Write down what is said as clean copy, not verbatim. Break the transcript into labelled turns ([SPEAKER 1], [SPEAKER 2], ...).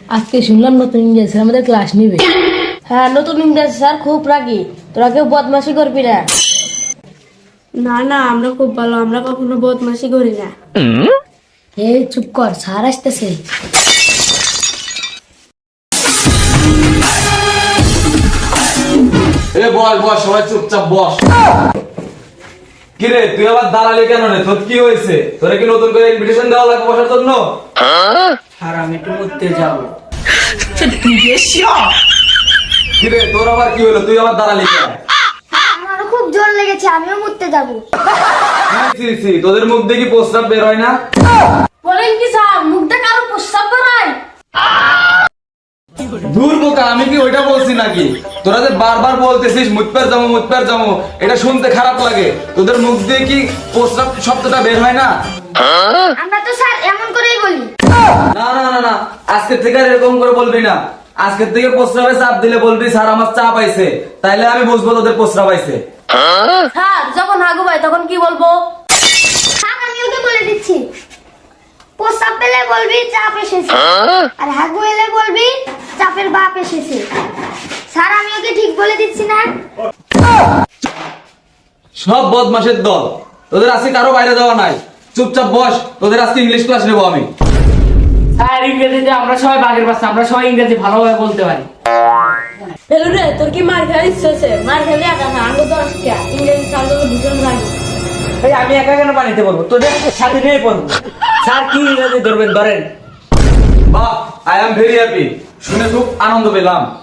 [SPEAKER 1] আজকে শুনলাম নতুন ইংরেজি স্যার আমাদের ক্লাস নিবে। হ্যাঁ, নতুন ইংরেজি স্যার খুব রাগী, তোরা কেউ বদমাশি করবি না।
[SPEAKER 2] না না, আমরা খুব ভালো, আমরা কখনো বদমাশি করি না।
[SPEAKER 1] এই চুপ কর, স্যার আসতেছে।
[SPEAKER 3] এ বস বস, সবাই চুপচাপ বস। কিরে তুই আবার দাঁড়ালি কেন রে? তোর কি হয়েছে? তোরে কি নতুন করে ইনভিটেশন দেওয়া লাগবে বসার জন্য?
[SPEAKER 4] আর আমি একটু মুততে যাবো।
[SPEAKER 3] কিরে তোর আবার কি হলো? তুই আবার দাঁড়ালি কেন?
[SPEAKER 5] আমারও খুব জোর লেগেছে, আমিও মুততে যাবো।
[SPEAKER 3] তোদের মুখ দিয়ে কি প্রস্তাব বের হয় না?
[SPEAKER 1] বলেন কি স্যার, মুখটা কারো প্রস্তাব করায়?
[SPEAKER 3] দূর বোকা, আমি কি ওইটা বলছি নাকি? তোরা যে বারবার বলতেছিস মুতপের যাবো, এটা শুনতে খারাপ লাগে। তোদের মুখ দিয়ে কি প্রস্তাব শব্দটা বের হয় না?
[SPEAKER 5] আমরা তো স্যার এমন করেই বলি।
[SPEAKER 3] না না না না, আজকের থেকে আর এরকম করে বলবি না। আজকের থেকে প্রস্রাবে চাপ দিলে বলবি স্যার আমার চাপ আইছে, তাইলে আমি বুঝবো তোদের প্রস্রাব আইছে।
[SPEAKER 1] স্যার যখন হাগু ভাই তখন কি বলবো?
[SPEAKER 5] থাক, আমি ওকে বলে দিচ্ছি। প্রস্তাব পেলে বলবি চাপ এসেছে, আর হাগু এলে বলবি চাপের বাপ এসেছে। স্যার আমি ওকে ঠিক বলে দিচ্ছি না?
[SPEAKER 3] সব বদমাশের দল, তোদের আজকে কারো বাইরে যাওয়া নাই। চুপচাপ বস, তোদের আজকে ইংলিশ ক্লাস নেবো আমি।
[SPEAKER 4] স্যার ইংরেজিতে আমরা সবাই বাঘের বাচ্চা, আমরা সবাই ইংরেজি ভালোভাবে বলতে পারি।
[SPEAKER 1] বেলু রে, তোর কি মার খেয়ে ইচ্ছে হচ্ছে? মার খেলে একা না, আঙ্গ তো আজকে ইংরেজি স্যার তো ভীষণ রাগী।
[SPEAKER 4] এই আমি একা কেন পানিতে পড়বো? তোদের সাথে নিয়ে পড়বো। স্যার কি ইংরেজি ধরবেন, ধরেন।
[SPEAKER 3] বাহ, আই এম ভেরি হ্যাপি, শুনে খুব আনন্দ পেলাম।